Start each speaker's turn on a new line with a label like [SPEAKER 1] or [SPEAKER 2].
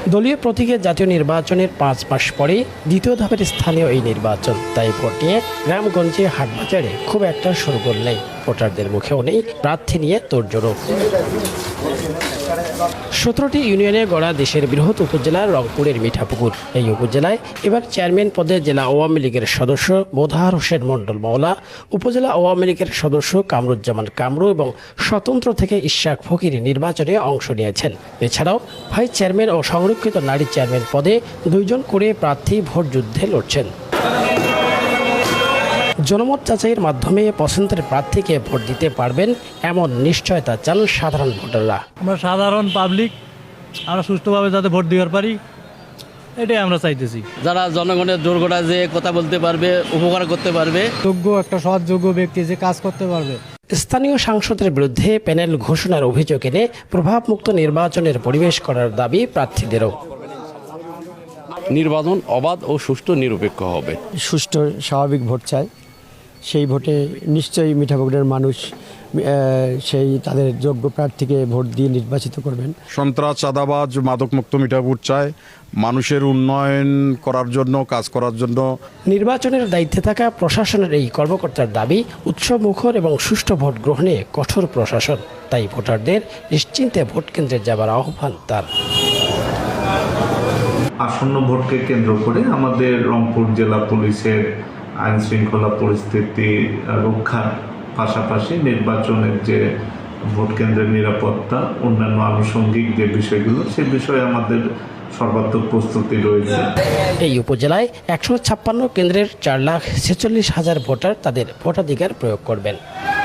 [SPEAKER 1] দলীয় প্রতীকে জাতীয় নির্বাচনের ৫ মাস পরেই দ্বিতীয় ধাপের স্থানীয় এই নির্বাচন, তাই ভোট নিয়ে গ্রামগঞ্জে হাটবাজারে খুব একটা শোরগোল নেই। ভোটারদের মুখেও নেই প্রার্থী নিয়ে তোড়জোড়। ১৭টি ইউনিয়নে গড়া দেশের বৃহৎ উপজেলা রংপুরের মিঠাপুকুর। এই উপজেলায় এবার চেয়ারম্যান পদে জেলা আওয়ামী লীগের সদস্য মোদাহার হোসেন মণ্ডল মাওলা, উপজেলা আওয়ামী লীগের সদস্য কামরুজ্জামান কামরু এবং স্বতন্ত্র থেকে ইশাক ফকির নির্বাচনে অংশ নিয়েছেন। এছাড়াও ভাইস চেয়ারম্যান ও সংরক্ষিত নারী চেয়ারম্যান পদে ২ জন করে প্রার্থী ভোট যুদ্ধে লড়ছেন। জনমত যাচাইয়ের মাধ্যমে পছন্দের প্রার্থীকে ভোট দিতে পারবেন এমন নিশ্চয়তা চান সাধারণ ভোটাররা।
[SPEAKER 2] আমরা সাধারণ পাবলিক আমরা সুষ্ঠুভাবে যাতে ভোট দিতে পারি, এটাই আমরা চাইতেছি।
[SPEAKER 3] যারা জনগণের দুর্ঘটনা যে কথা বলতে পারবে, উপকার করতে পারবে,
[SPEAKER 2] যোগ্য একটা সৎযোগ্য ব্যক্তি যে কাজ করতে পারবে।
[SPEAKER 1] স্থানীয় সাংসদের বিরুদ্ধে প্যানেল ঘোষণার অভিযোগ এনে প্রভাবমুক্ত নির্বাচনের পরিবেশ করার দাবি প্রার্থীদেরও।
[SPEAKER 4] নির্বাচন অবাধ ও সুষ্ঠু নিরপেক্ষ হবে।
[SPEAKER 5] সুষ্ঠু স্বাভাবিক ভোট চাই, সেই ভোটে নিশ্চয়ই মিঠাপুকুরের মানুষ সেই তাদের যোগ্য প্রার্থীকে ভোট দিয়ে নির্বাচিত করবেন।
[SPEAKER 6] সন্ত্রাস, চাঁদাবাজ, মাদকমুক্ত মিঠাপুকুর চায় মানুষের উন্নয়ন করার জন্য, কাজ করার জন্য।
[SPEAKER 1] নির্বাচনের দায়িত্বে থাকা প্রশাসনের এই কর্মকর্তার দাবি উৎসবমুখর এবং সুষ্ঠু ভোট গ্রহণে কঠোর প্রশাসন, তাই ভোটারদের নিশ্চিন্তে ভোট কেন্দ্রে যাবার আহ্বান তার।
[SPEAKER 7] আসন্ন ভোটকে কেন্দ্র করে আমাদের রংপুর জেলা পুলিশের আইন শৃঙ্খলা পরিস্থিতি রক্ষার পাশাপাশি নির্বাচনের যে ভোট কেন্দ্রের নিরাপত্তা, অন্যান্য আনুষঙ্গিক যে বিষয়গুলো, সে বিষয়ে আমাদের সর্বাত্মক প্রস্তুতি রয়েছে।
[SPEAKER 1] এই উপজেলায় ১৫৬ কেন্দ্রের ৪,৪৬,০০০ ভোটার তাদের ভোটাধিকার প্রয়োগ করবেন।